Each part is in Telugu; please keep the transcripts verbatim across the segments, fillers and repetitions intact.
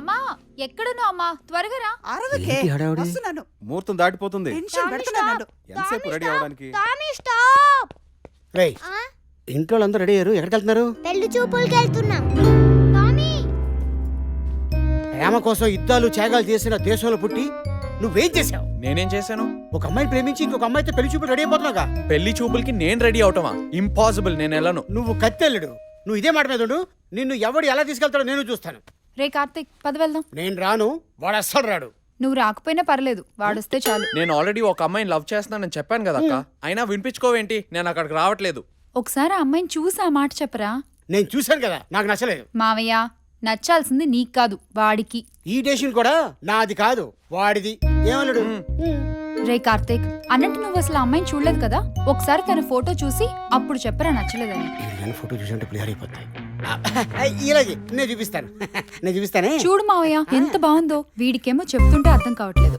అమ్మా ఎక్కడున్నావు అమ్మా? త్వరగా రా. అరవకే ఏంటి హడావుడి? వస్తున్నాను. ముహూర్తం దాటిపోతుంది. టెన్షన్ పెడుతున్నాను. ఎంతసేపు రెడీ అవడానికి? Tommy stop. రేయ్ ఇంట్లో వాళ్ళందరూ రెడీ అయ్యారు, ఎక్కడికి వెళ్తున్నారు? పెళ్లి చూపులకి వెళ్తున్నాం. టామీ ప్రేమ కోసం యుద్ధాలు త్యాగాలు చేసిన దేశంలో పుట్టి నువ్వేం చేసావు? నేనేం చేశాను? ఒక అమ్మాయిని ప్రేమించి ఇంకొక అమ్మాయితో పెళ్లి చూపులు రెడీ అయిపోతున్నావుగా. పెళ్లి చూపులకి నేను రెడీ అవటమా? ఇంపాసిబుల్, నేను వెళ్ళను. నువ్వు కత్తెల్లుడు. నువ్వు ఇదే మాట మీద ఉండు. నిన్ను ఎవడు ఎలా తీసుకెళ్తాడో నేను చూస్తాను. రే కార్తీక్ పద వెళ్దాం. నేను రాను, వాడు అస్సలు రాడు. నువ్వు రాకపోయినా పర్లేదు, వాడొస్తే చాలు. నేను ఆల్రెడీ ఒక అమ్మాయిని లవ్ చేస్తున్నానని చెప్పాను కదా అక్క. అయినా వినిపించుకోవేంటి? నేను అక్కడికి రావట్లేదు. ఒకసారి ఆ అమ్మాయిని చూసి ఆ మాట చెప్పరా. నేను చూశాను కదా, నాకు నచ్చలేదు. మావయ్య నచ్చాల్సింది నీకు కాదు, వాడికి. ఈ డెసిషన్ కూడా నాది కాదు, వాడిది. ఏమన్నాడు? రే కార్తీక్, అన్నట్టు నువ్వు అసలు ఆ అమ్మాయిని చూడలేదు కదా. ఒకసారి తన ఫోటో చూసి అప్పుడు చెప్పరా నచ్చలేదని. నేను ఫోటో చూసంటే క్లియర్ అయిపోతాయి. ఇలాగే నేను చూపిస్తాను. నేను చూపిస్తానే. చూడు మావయ్య ఎంత బాగుందో. వీడికేమో చెప్తుంటే అర్థం కావట్లేదు.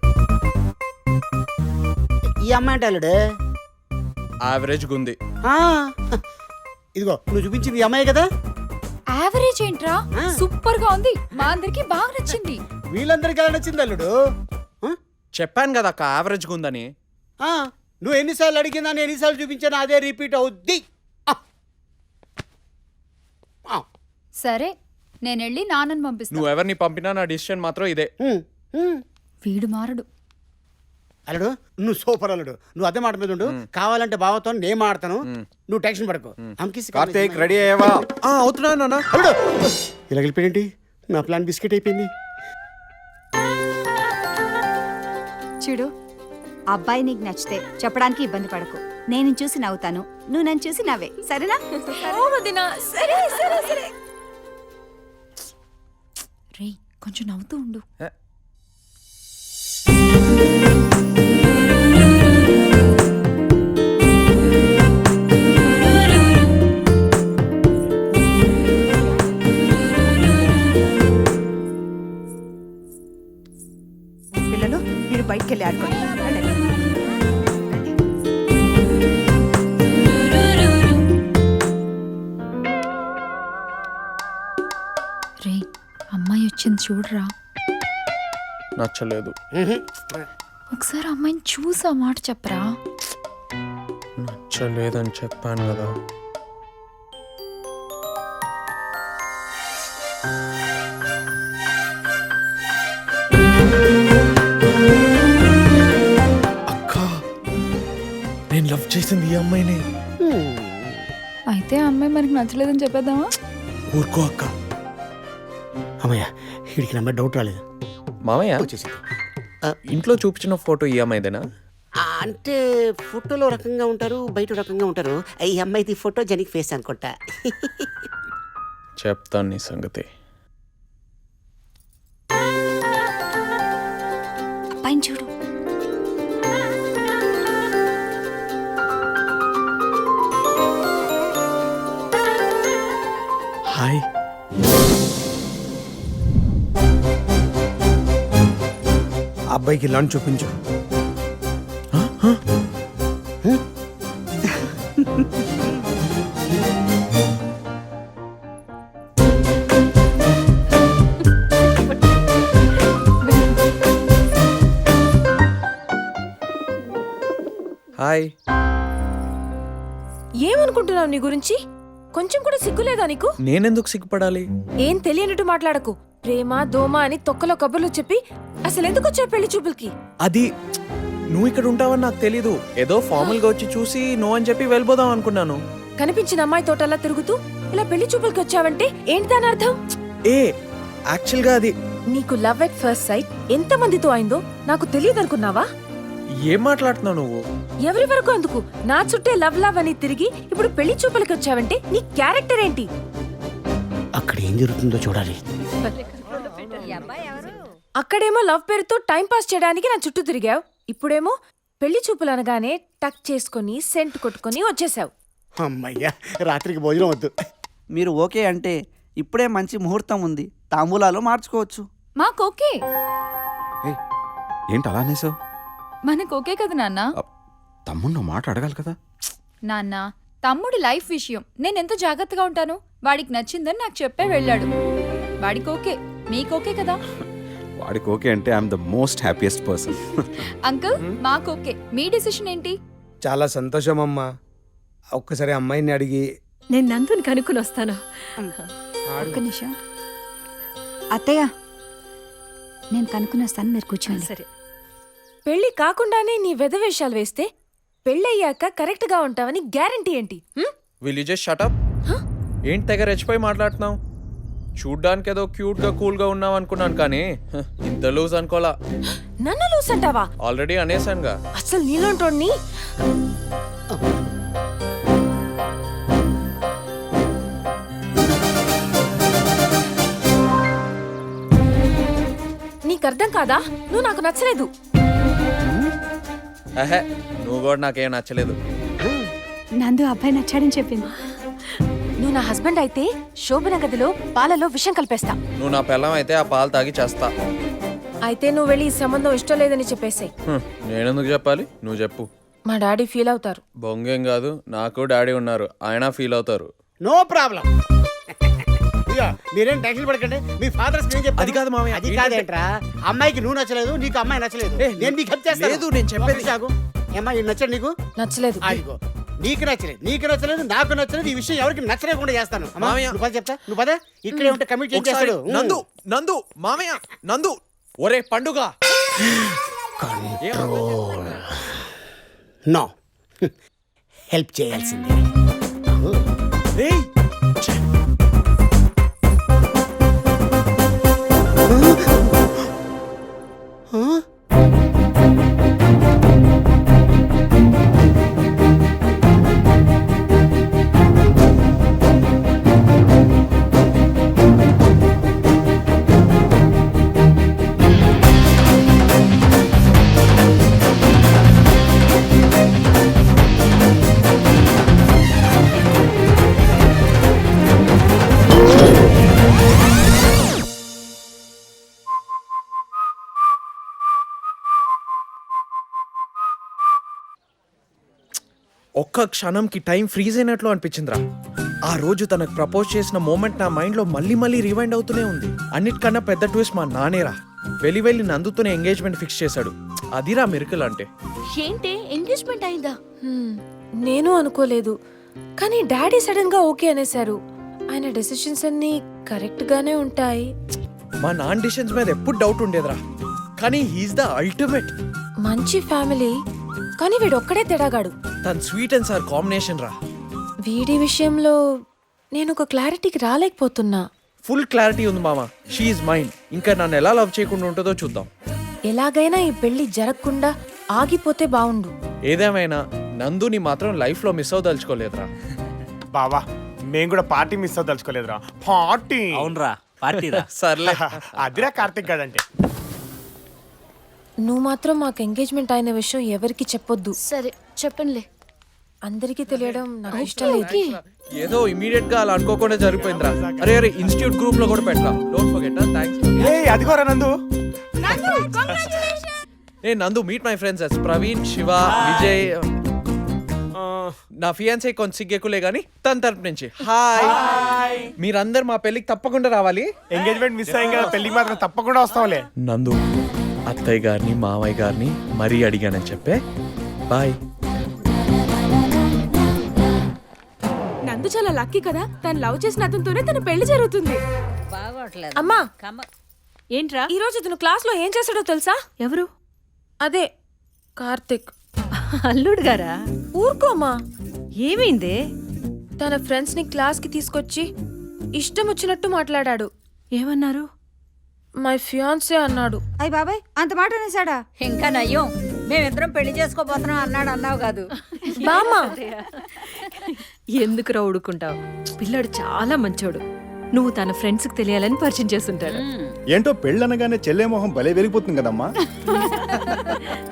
ఈ అమ్మాయి అంటే అల్లుడు యావరేజ్ గుంది. ఇదిగో నువ్వు చూపించింది ఈ అమ్మాయి కదా. యావరేజ్ ఏంట్రా, సూపర్ గా ఉంది. మా అందరికి బాగా నచ్చింది. వీళ్ళందరికీ ఎలా నచ్చింది అల్లుడు? చెప్పాను కదా అక్క, యావరేజ్ గుందని. నువ్వు ఎన్నిసార్లు అడిగినా నేను ఎన్నిసార్లు చూపించాను అదే రిపీట్ అవుద్ది. సరే నేను వెళ్ళి నాన్నని పంపిస్తా. నువ్వు ఎవరిని పంపినా నా డిసిషన్ మాత్రం ఇదే. వీడు మారడు. అల్లుడు నువ్వు సూపర్ అల్లుడు. నువ్వు అదే మాట మీద ఉండు. కావాలంటే బావతో నేను మాడతాను, నువ్వు టెన్షన్ పడకు. కార్తీక్ రెడీ అయ్యావా? అవుతున్నా నాన్న. అల్లుడు ఇలా వెళ్ళిపోయింది. నా ప్లాన్ బిస్కెట్ అయిపోయింది. చూడు, అబ్బాయి నీకు నచ్చితే చెప్పడానికి ఇబ్బంది పడకు. నేను చూసి నవ్వుతాను, నువ్వు నన్ను చూసి నవ్వే, సరేనా? రే కొంచెం నవ్వుతూ ఉండు. పిల్లలు మీరు బయటికి వెళ్ళి ఆడుకోండి. రే అమ్మాయి వచ్చింది చూడరా. నచ్చలేదు. ఒకసారి అమ్మాయిని చూసి ఆ మాట చెప్పరా. నచ్చలేదని చెప్పాను కదా. అక్క, నేను లవ్ చేసింది ఈ అమ్మాయిని. అయితే ఆ అమ్మాయి మనకి నచ్చలేదని చెప్పేద్దామా? ఊరుకో అక్క. అమ్మయ్య వీడికి నమ్మే డౌట్ రాలేదు. మామయ్య వచ్చేసింది. ఇంట్లో చూపించిన ఫోటో ఈ అమ్మాయిదేనా? అంటే ఫోటోలో రకంగా ఉంటారు, బయట రకంగా ఉంటారు. ఈ అమ్మాయిది ఫోటో జనిక్ ఫేస్ అనుకుంటా. చెప్తాను నీ సంగతి. పైన చూడు. హాయ్. అబ్బాయికి లంచ్ చూపించు. హాయ్. ఏమనుకుంటున్నావు నీ గురించి? కొంచెం కూడా సిగ్గులేదా నీకు? నేనెందుకు సిగ్గుపడాలి? ఏం తెలియనట్టు మాట్లాడకు. ప్రేమ దోమ అని తొక్కలో కబుర్లు చెప్పి అసలు ఎందుకు వచ్చా పెళ్లి చూపులకి? అది నువ్వు ఇక్కడ ఉంటావని నాకు తెలీదు. ఏదో ఫార్మల్ గా వచ్చి చూసి నో అని చెప్పి వెళ్ళిపోదాం అనుకున్నాను. కనిపించిన అమ్మాయి తోటలా తిరుగుతూ ఇలా పెళ్లి చూపులకి వచ్చావంటే ఏంటి దాని అర్థం? ఏ యాక్చువల్ గా అది నీకు లవ్ ఎట్ ఫస్ట్ సైట్ ఎంత మందితో అయిందో నాకు తెలియదు అనుకున్నావా? ఏం మాట్లాడుతున్నావు నువ్వు? ఎవరి వరకు అందుకు నా చుట్టే లవ్ లవ్ అని తిరిగి ఇప్పుడు పెళ్లి చూపులకి వచ్చావంటే నీ క్యారెక్టర్ ఏంటి? అక్కడ ఏం జరుగుతుందో చూడాలి. అక్కడేమో లవ్ పేరుతో టైం పాస్ చేయడానికి నా చుట్టూ తిరిగావు. ఇప్పుడేమో పెళ్లి చూపులు అనగానే టక్ చేసుకుని సెంట్ కొట్టుకుని వచ్చేసావు. అమ్మయ్యా రాత్రికి భోజనం వద్దు. మీరు ఓకే అంటే ఇప్పుడే మంచి ముహూర్తం ఉంది, తాంబూలాలు మార్చుకోవచ్చు. మాకు ఓకే. ఏంటి అలా అనేసావు? మనకు ఓకే కదా నాన్న? తమ్ముడు మాట అడగాలి కదా. నాన్న తమ్ముడి లైఫ్ విషయం నేను ఎంత జాగ్రత్తగా ఉంటాను. వాడికి నచ్చిందని నాకు చెప్పే వెళ్ళాడు. వాడికి ఓకే. మీకు ఓకే కదా? వాడికి ఓకే అంటే I'm the most happiest person. Uncle మాకు ఓకే. మీ డిసిషన్ ఏంటి? చాలా సంతోషం అమ్మా. ఒక్కసారి అమ్మాయిని అడిగి నేను నందుని కనుక్కుని వస్తాను. ఒక్క నిమిషం అత్తయ్య, నేను కనుక్కుని వస్తాను, మీరు కూర్చోండి. సరే. పెళ్లి కాకుండానే నీ వెధవేషాలు వేస్తే పెళ్ళయ్యాక కరెక్ట్ గా ఉంటావని గ్యారంటీ ఏంటి? Hmm? Will you just shut up? ఏంటి తెగ రెచ్చిపోయి మాట్లాడుతున్నావు? చూడ్డానికి ఏదో క్యూట్ గా కూల్ గా ఉన్నావు అనుకున్నాను, కానీ హ, ఇంత లూజ్ అనుకోలా. నన్ను లూస్ అంటావా? ఆల్రెడీ అనేసానుగా. అసలు నీలోంటోని నీకు అర్థం కాదా? నువ్వు నాకు నచ్చలేదు. అహే, నువ్వు కూడా నాకేం నచ్చలేదు. నందు అబ్బాయి నచ్చాడని చెప్పింది. నువ్వు నా హస్బెండ్ అయితే శోభన గదిలో పాలలో విషం కలిపేస్తా. నువ్వు నా పిల్లం అయితే ఆ పాలు తాగి చేస్తా. అయితే నువ్వు వెళ్ళి ఈ సంబంధం ఇష్టం లేదని చెప్పేసాయి. హ్మ్, నేనెందుకు చెప్పాలి? నువ్వు చెప్పు. మా డాడీ ఫీల్ అవుతారు. బొంగేం కాదు, నాకు డాడీ ఉన్నారు, ఆయన ఫీల్ అవుతారు. No problem. ఇక మీరేం టెన్షన్ పడకండి. మీ ఫాదర్ స్క్రీన్ చెప్పారు. అది కాదు మామయ్య, అది ఏంటంటే- కాదేంట్రా, అమ్మాయికి నువ్వు నచ్చలేదు, నీకు అమ్మాయి నచ్చలేదు. ఏ, నేను నీకు హెల్ప్ చేస్తాను. లేదు, నేను చెప్పేది- ఒక్క సాగు. ఏమ్మా, ఈ నచ్చడు నీకు? నచ్చలేదు. ఆగిపో. నీకు నచ్చలేదు, నీకు నచ్చలేదు, నాకు నచ్చలేదు. ఈ విషయం ఎవరికి నచ్చలేకుండా చేస్తాను. అమ్మా, మామయ్య. నువ్వు పద చెప్తా. నువ్వు పద. ఇక్కడే ఉంటే కమిట్ ఒకసారి చేస్తాడు. నందు నందు మామయ్య నందు, ఒరే పండుగ. నో, హెల్ప్ చేయాల్సిందే. ఏయ్, ఒక్క క్షణంకి టైం ఫ్రీజ్ అయినట్లు అనిపించిందిరా. ఆ రోజు తనకు ప్రపోజ్ చేసిన మూమెంట్ నా మైండ్ లో మళ్ళీ మళ్ళీ రివైండ్ అవుతూనే ఉంది. అన్నిటికన్నా పెద్ద ట్విస్ట్ మా నానేరా. వెళ్ళి వెళ్ళి నందుతోనే ఎంగేజ్మెంట్ ఫిక్స్ చేశాడు. అదిరా మిరకల్ అంటే. ఏంటి ఎంగేజ్మెంట్ అయిందా? హ్మ్, నేను అనుకోలేదు, కానీ డాడీ సడన్ గా ఓకే అనేశారు. ఆయన డెసిషన్స్ అన్ని కరెక్ట్ గానే ఉంటాయి. మా నాన్న డిసిషన్స్ మీద ఎప్పుడు డౌట్ ఉండేదిరా, కానీ హీఈస్ ద అల్టిమేట్. మంచి ఫ్యామిలీ, కానీ వీడు ఒక్కడే తెడాగాడు. తన స్వీట్ అండ్ సార్ కాంబినేషన్ రా. వీడి విషయంలో నేను ఒక క్లారిటీకి రాలేకపోతున్నా. ఫుల్ క్లారిటీ ఉంది మామ. షీఈ్ మైండ్. ఇంకా నన్ను ఎలా లవ్ చేయకుండా ఉంటుందో చూద్దాం. ఎలాగైనా ఈ పెళ్లి జరగకుండా ఆగిపోతే బావుండు. ఏదేమైనా నందుని మాత్రం లైఫ్ లో మిస్ అవదలుచుకోలేదురా. బావా, మేము కూడా పార్టీ మిస్ అవ్వదలుచుకోలేదురా. పార్టీ అవునరా, పార్టీరా. సర్లే. అదిరా కార్తిక్ గాడంటే. నువ్వు మాత్రం మాకు ఎంగేజ్మెంట్ అయిన విషయం ఎవరికి చెప్పొద్దు. సరే చెప్పనులే. అందరికీ తెలియడం నాకు ఇష్టం లేదు. ఏదో ఇమీడియట్ గా అలా అనుకోకుండా జరిగిపోయిందిరా. అరే అరే ఇన్స్టిట్యూట్ గ్రూప్ లో కూడా పెట్టరా. Don't forget. థాంక్స్. ఏ అదిగోరా నందు. ఏ Nandu, meet my friends as Praveen, Shiva, Vijay. నా ఫియాన్సీ కొంచెం సిగ్గెక్కులే గానీ తన తరపు నుంచి హాయ్. మీరందరు మా పెళ్లికి తప్పకుండా రావాలి. ఎంగేజ్మెంట్ మిస్ అయ్యింది కదా, పెళ్లికి మాత్రం తప్పకుండా వస్తాంలే. నందు, అత్తయ్య గారిని మామయ్య గారిని మరీ అడిగానని చెప్పే. బాయ్. నందు చాలా లక్కీ కదా, తను లవ్ చేసిన అతనితోనే తన పెళ్లి జరుగుతుంది. అమ్మా, ఏంట్రా? ఈ రోజు తను క్లాస్ లో ఏం చేశాడో తెలుసా? ఎవరు? అదే కార్తిక్. అల్లుడు గారా? ఊరుకోమా. ఏమైందే? తన ఫ్రెండ్స్ ని క్లాస్ కి తీసుకొచ్చి ఇష్టం వచ్చినట్టు మాట్లాడాడు. ఏమన్నారు? మై ఫియాన్సే అన్నాడు. అయ్య బాబాయ్, అంత మాట అనేసాడా? ఇంకా నయ్యం, మేమిద్దరం పెళ్లి చేసుకోబోతున్నాం అన్నాడు అన్నావు కాదు. బామ్మా, ఎందుకు రౌడుకుంటావు? పిల్లాడు చాలా మంచోడు. నువ్వు తన ఫ్రెండ్స్ కి తెలియాలని పరిచయం చేస్తుంటాడు. ఏంటో పెళ్ళనగానే చెల్లె మొహం భలే వెలిగిపోతుంది కదమ్మా.